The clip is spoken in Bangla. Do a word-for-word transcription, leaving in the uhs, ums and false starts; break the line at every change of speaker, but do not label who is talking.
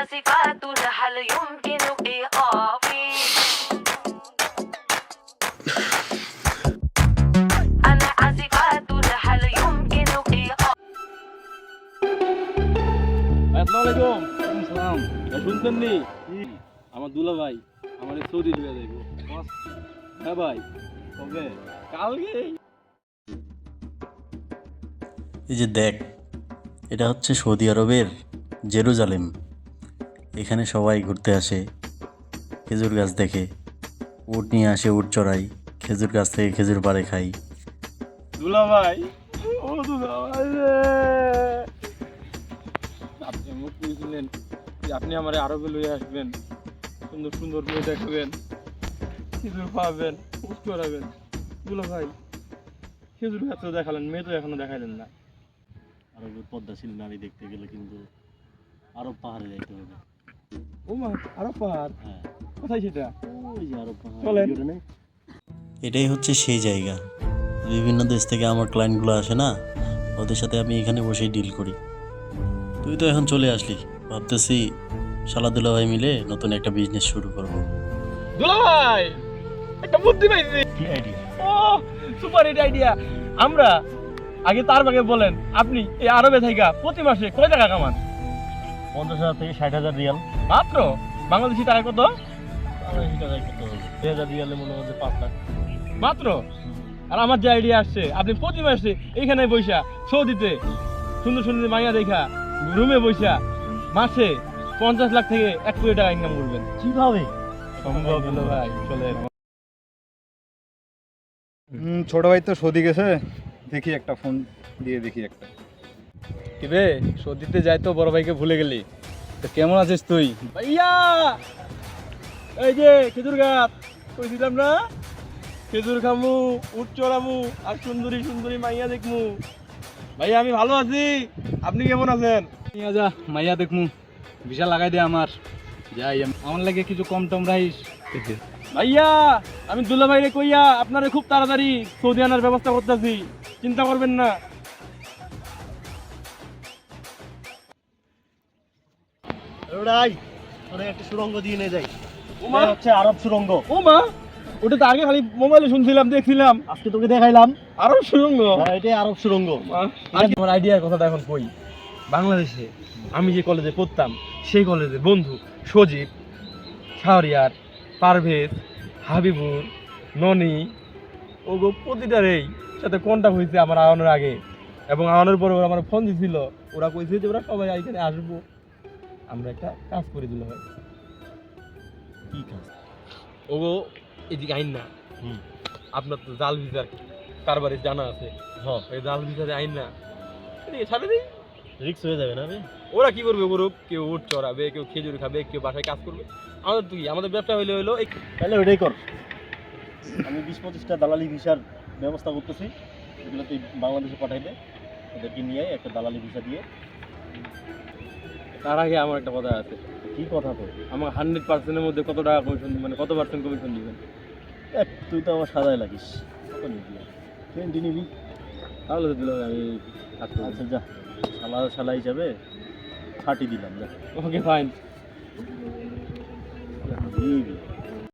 عازفات هل يمكن إيقافي أنا عازفات هل يمكن إيقافي
আসসালামু আলাইকুম। সালাম। শুনছেন নি আমার দুলা ভাই আমার সৌদি দিয়ে যাইব। হ্যাঁ ভাই কবে? কালকে।
এই যে দেখ, এটা হচ্ছে সৌদি আরবের জেরুজালেম। এখানে সবাই ঘুরতে আসে, খেজুর গাছ দেখে, উট নিয়ে আসে, উট চড়াই, খেজুর গাছ থেকে খেজুর পাড়ে খাই।
দুলা ভাই ও দুলা ভাই রে, আপনি মুখ বুঝলেন যে আপনি আমার আরবে লইয়া আসবেন, সুন্দর সুন্দর মেয়ে দেখাবেন, খেজুর খাওয়াবেন, উট চড়াবেন। দুলা ভাই খেজুর গাছ তো দেখালেন, মেয়ে তো এখনো দেখালেন না।
আরবের পদ্মাশীল নারী দেখতে গেলে কিন্তু আরব পাহাড়ে যাইতে হবে।
ও মা, আরব পাহাড়?
হ্যাঁ,
কোথায় সেটা?
ওই যে আরব পাহাড়।
চলেন।
এটাই হচ্ছে সেই জায়গা। বিভিন্ন দেশ থেকে আমার ক্লায়েন্টগুলো আসে না, ওদের সাথে আমি এখানে বসেই ডিল করি। তুই তো এখন চলে আসলি, ভাবতেছি শালা দুলা ভাই মিলে নতুন একটা বিজনেস শুরু করব।
দুলা ভাই একটা বুদ্ধি পাইছি।
কি আইডিয়া?
ও সুপার হিট আইডিয়া। আমরা আগে তার আগে বলেন, আপনি এই আরবে থাইকা প্রতি মাসে কয় টাকা কামান?
পঞ্চাশ হাজার থেকে ষাট হাজার রিয়াল।
মাত্র? বাংলাদেশি টাকা কত?
বাংলাদেশি টাকায় কত হবে? দুই হাজার রিয়ালে মনে হচ্ছে পাঁচ লাখ।
মাত্র? আর আমার যে আইডিয়া আসছে, আপনি প্রতি মাসে এইখানে বইসা সৌদিতে সুন্দর সুন্দর মাইয়া দেখা রুমে বইসা মাসে পঞ্চাশ লাখ থেকে এক কোটি টাকা ইনকাম করবেন।
কিভাবে
সম্ভব হলো ভাই, চলেন।
হুম, ছোট ভাই তো সৌদি গেছে, দেখি একটা ফোন দিয়ে দেখি একটা।
কি রে, সৌদিতে যাই তো বড় ভাইকে ভুলে গেলি? তো কেমন আছিস তুই? ভাইয়া এই যে খেজুর গাছ কইছিলাম না, খেজুর খামু, উট চড়ামু আর সুন্দরী সুন্দরী মাইয়া দেখমু। ভাইয়া আমি ভালো আছি, আপনি কেমন আছেন?
নিয়ে যা মাইয়া দেখমু, ভিসা লাগাই দে আমার, যাই আমি। আমার লাগে কিছু কম টম রাইস।
ভাইয়া আমি দুলা ভাইরে কইয়া আপনারে খুব তাড়াতাড়ি সৌদি আনার ব্যবস্থা করতেছি, চিন্তা করবেন না।
ওরাই অনেক একটা সুড়ঙ্গ দিয়ে নিয়ে যাই।
ওমা,
এটা হচ্ছে আরব সুড়ঙ্গ।
ও মা, ওটা তো আগে খালি মোবাইলে শুনছিলাম, দেখছিলাম।
আজকে তোকে দেখাইলাম।
আরো সুরঙ্গ।
হ্যাঁ, এটাই আরব সুড়ঙ্গ।
আমার আইডিয়ার কথাটা এখন কই। বাংলাদেশে আমি যে কলেজে পড়তাম, সেই কলেজে বন্ধু সজীব, শাহরিয়ার, পারভেজ, হাবিবুর, ননি ও গো প্রতিটারেই সাথে কন্টাক্ট হয়েছে আমার আওয়ানোর আগে, এবং আওয়ানোর পরে ওরা আমার ফোন দিছিল। ওরা কইছে যে ওরা সবাই এখানে আসবো, আমরা একটা কাজ করে দিল হয়।
কি কাজ?
ও গো এদিকে আইন না,
হুম।
আপনার তো জাল ভিসার কারবারে জানা আছে।
হ্যাঁ,
এই জাল ভিসারে আইন না, এদিকে ছাড়ে দিই।
রিক্স হয়ে যাবে না রে?
ওরা কি করবে করুক, কেউ উট চড়াবে, কেউ খেজুর খাবে, কেউ বাসায় কাজ করবে। আমাদের তো কি, আমাদের ব্যবসা হইলে হইলো এই।
তাহলে ওইটাই কর। আমি বিশ পঁচিশটা দালালি ভিসার ব্যবস্থা করতেছি, এগুলো তুই বাংলাদেশে পাঠাই দে, ওদেরকে নিয়ে আয়, একটা দালালি ভিসা দিয়ে।
তার আগে আমার একটা কথা আছে।
কি কথা তো?
আমার হান্ড্রেড পার্সেন্টের মধ্যে কত টাকা কমিশন, মানে কত পার্সেন্ট কমিশন দিবেন?
এক, তুই তো আমার সাদায় লাগিস, কত নিবি? টোয়েন্টি নিবি?
তাহলে তো দিল আমি কাজ করবো।
আচ্ছা যা, শালা শালা হিসাবে থার্টি দিলাম, যা।
Okay fine.
দিবি।